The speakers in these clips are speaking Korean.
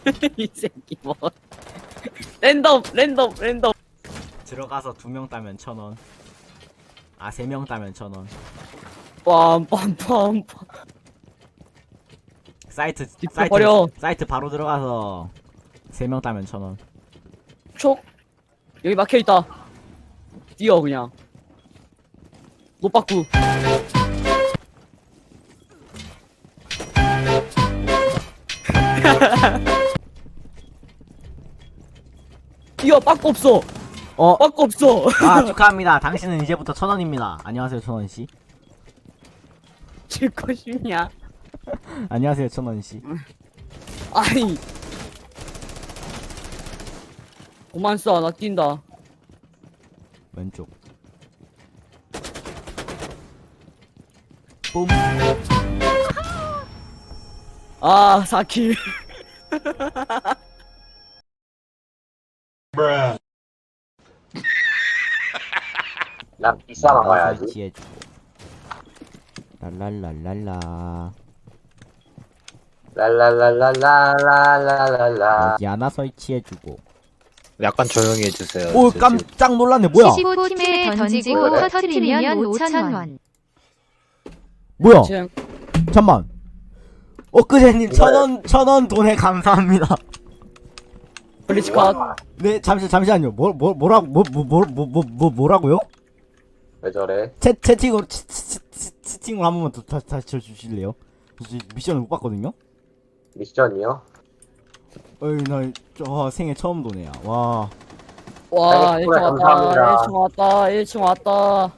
이 새끼 뭐 랜덤 들어가서 2명 따면 1,000원. 아 3명 따면 1,000원. 빰빰빰빰 사이트 버려. 사이트 바로 들어가서 3명 따면 1,000원. 촉 여기 막혀있다. 뛰어 그냥 노빠꾸. 뛰어. 빠꾸 없어. 빠꾸 없어. 아 축하합니다. 당신은 이제부터 1,000원입니다. 안녕하세요 1,000원씨. 질 것이냐. 안녕하세요 1,000원씨. 아이 그만 쏴. 나 뛴다. 왼쪽. 뿜. 아 4킬. 난 비싸 나가야지. 설치해주고. 랄랄랄랄라. 랄랄랄랄랄랄랄랄라. 여기 하나 설치해주고. 약간 조용히 해주세요. 오 깜짝 놀랐네. 뭐야? 15팀에 던지고 터트리면 5,000원. 뭐야? 지금 잠만. 엊그제님 1,000원 돈에 감사합니다. 블리츠 컷. 네 잠시만요. 뭐라고요? 왜 저래? 채팅으로 채팅으로 한 번만 더 다시 쳐주실래요? 미션을 못 봤거든요. 미션이요? 어이 나저 생애 처음 도네요. 와. 와 아이고, 1층 감사합니다. 왔다. 1층 왔다. 1층 왔다.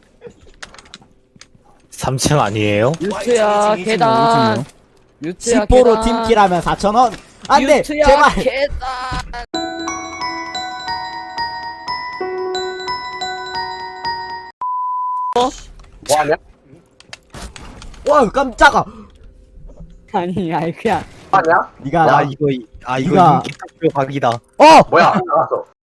3층 아니에요? 뮤트야 이층, 계단. 이층이요. 뮤트야 10%로 계단. 팀킬하면 4,000원. 안돼 뮤트야 제발. 계단. 뭐하냐? 와 깜짝아. 아니 그냥 뭐하냐? 네가 와 이거 네가- 인기 투표 각이다. 어 뭐야? 나갔어.